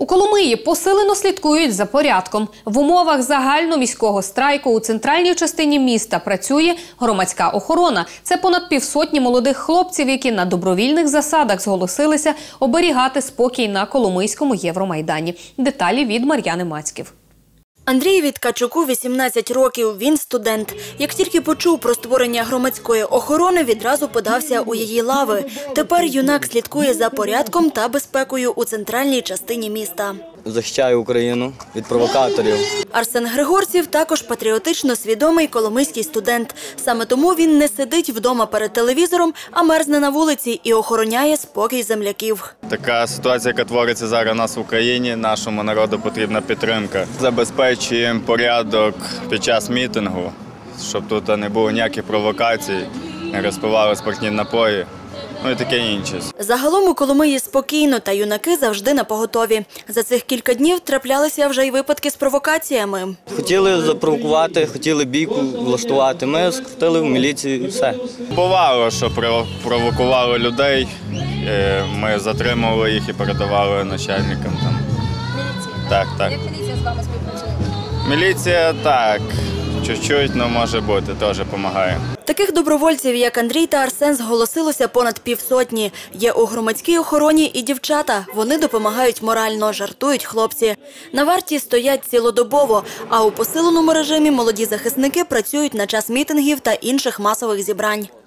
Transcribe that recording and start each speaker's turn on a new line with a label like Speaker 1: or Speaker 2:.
Speaker 1: У Коломиї посилено слідкують за порядком. В умовах загальноміського страйку у центральній частині міста працює громадська охорона. Це понад півсотні молодих хлопців, які на добровільних засадах зголосилися оберігати спокій на Коломийському Євромайдані. Деталі від Мар'яни Мацьків.
Speaker 2: Андрієві Ткачуку 18 років, він студент. Як тільки почув про створення громадської охорони, відразу подався у її лави. Тепер юнак слідкує за порядком та безпекою у центральній частині міста.
Speaker 3: Захищаю Україну від провокаторів.
Speaker 2: Арсен Григорців також патріотично свідомий коломийський студент. Саме тому він не сидить вдома перед телевізором, а мерзне на вулиці і охороняє спокій земляків.
Speaker 4: Така ситуація, яка твориться зараз у нас в Україні, нашому народу потрібна підтримка. Забезпечуємо порядок під час мітингу, щоб тут не було ніяких провокацій, не розпивали спиртні напої. Ну і таке інше.
Speaker 2: Загалом у Коломиї спокійно, та юнаки завжди напоготові. За цих кілька днів траплялися вже й випадки з провокаціями.
Speaker 3: Хотіли запровокувати, хотіли бійку влаштувати. Ми скрутили в міліцію і все.
Speaker 4: Бувало, що провокували людей, ми затримували їх і передавали начальникам.
Speaker 5: Міліція?
Speaker 4: Так.
Speaker 5: Як міліція з вами співпрацює?
Speaker 4: Міліція так, чуть-чуть, але може бути, теж допомагає.
Speaker 2: Таких добровольців, як Андрій та Арсен, зголосилося понад півсотні. Є у громадській охороні і дівчата. Вони допомагають морально, жартують хлопці. На варті стоять цілодобово, а у посиленому режимі молоді захисники працюють на час мітингів та інших масових зібрань.